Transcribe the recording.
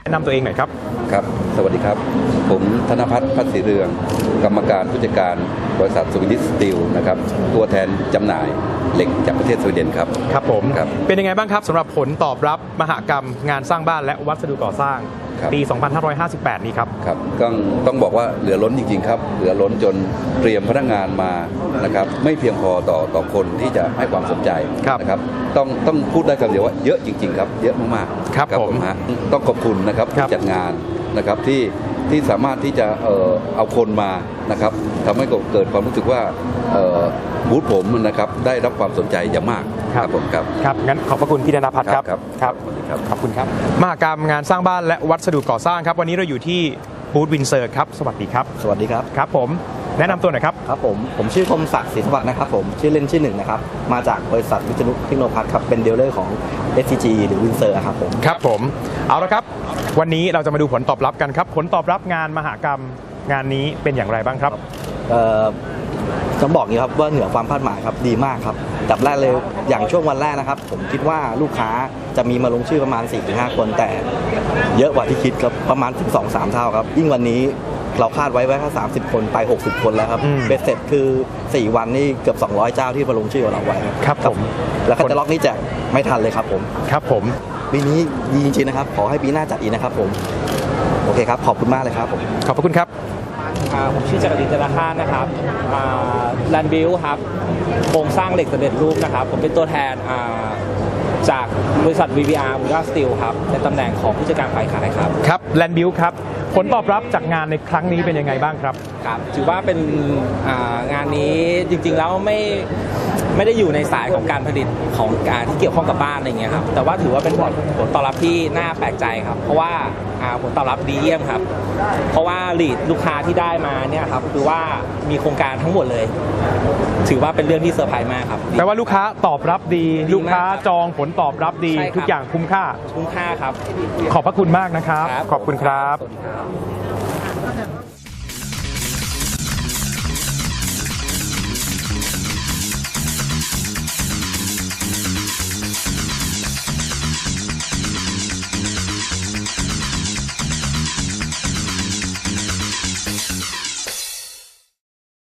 แนะนำตัวเองหน่อยครับครับสวัสดีครับผมธนภัทร พัฒน์ศรีเรืองกรรมการผู้จัดการบริษัทสวีดิชสตีลนะครับตัวแทนจำหน่ายเหล็กจากประเทศสวีเดนครับครับผมเป็นยังไงบ้างครับสำหรับผลตอบรับมหกรรมงานสร้างบ้านและวัสดุก่อสร้างปี 2558 นี้ครับครับต้องบอกว่าเหลือล้นจริงๆครับเหลือล้นจนเตรียมพนักงานมานะครับไม่เพียงพอต่อคนที่จะให้ความสนใจนะครับต้องพูดได้คำเดียวว่าเยอะจริงๆครับเยอะมากๆครับผมต้องขอบคุณนะครับผู้จัดงานนะครับที่สามารถที่จะเอาคนมานะครับทำให้เกิดความรู้สึกว่าบูธผมนะครับได้รับความสนใจอย่างมากครับผมครับงั้นขอบพระคุณพี่ธนภัทรครับขอบคุณครับมหกรรมงานสร้างบ้านและวัสดุก่อสร้างครับวันนี้เราอยู่ที่บูธวินเซอร์ครับสวัสดีครับสวัสดีครับครับผมแนะนำตัวหน่อยครับครับผมชื่อคมศักดิ์ศรีสวัสดิ์นะครับผมชื่อเล่นชื่อหนึ่งนะครับมาจากบริษัทวิษณุเทคโนพัฒน์ครับเป็นดีลเลอร์ของ SCG หรือวินเซอร์ครับผมครับผมเอาละครับวันนี้เราจะมาดูผลตอบรับกันครับผลตอบรับงานมหกรรมงานนี้เป็นอย่างไรบ้างครับต้องบอกอย่างนี้ครับว่าเหนือความคาดหมายครับดีมากครับดับแรกเลยอย่างช่วงวันแรกนะครับผมคิดว่าลูกค้าจะมีมาลงชื่อประมาณ 4-5 คนแต่เยอะกว่าที่คิดครับประมาณ 12-13 เท่าครับยิ่งวันนี้เราคาดไว้แค่30 คนไป60 คนแล้วครับเบ็ดเสร็จคือ4 วันนี่เกือบ200 เจ้าที่มาลงชื่อของเราไว้ครับผมแล้วก็จะล็อกนี้แจกไม่ทันเลยครับผมครับผมปีนี้ดีจริงๆนะครับขอให้ปีหน้าจัดอีกนะครับผมโอเคครับขอบคุณมากเลยครับผมขอบคุณครับผมชื่อจักรินทร์ ธนาคารนะครับแลนด์บิลครับโครงสร้างเหล็กสำเร็จรูปนะครับผมเป็นตัวแทนจากบริษัท VBR Ultra Steel ครับในตำแหน่งของผู้จัดการฝ่ายขายครับครับแลนด์บิลครับผลตอบรับจากงานในครั้งนี้เป็นยังไงบ้างครับครับถือว่าเป็นงานนี้จริงๆแล้วไม่ได้อยู่ในสายของการผลิตของการที่เกี่ยวข้องกับบ้านอะไรเงี้ยครับแต่ว่าถือว่าเป็นผลตอบรับที่น่าแปลกใจครับเพราะว่าผลตอบรับดีเยี่ยมครับเพราะว่าลีดลูกค้าที่ได้มาเนี่ยครับคือว่ามีโครงการทั้งหมดเลยถือว่าเป็นเรื่องที่เซอร์ไพรส์มากครับแปลว่าลูกค้าตอบรับดีลูกค้าจองผลตอบรับดีทุกอย่างคุ้มค่าครับขอบพระคุณมากนะครับขอบคุณครับ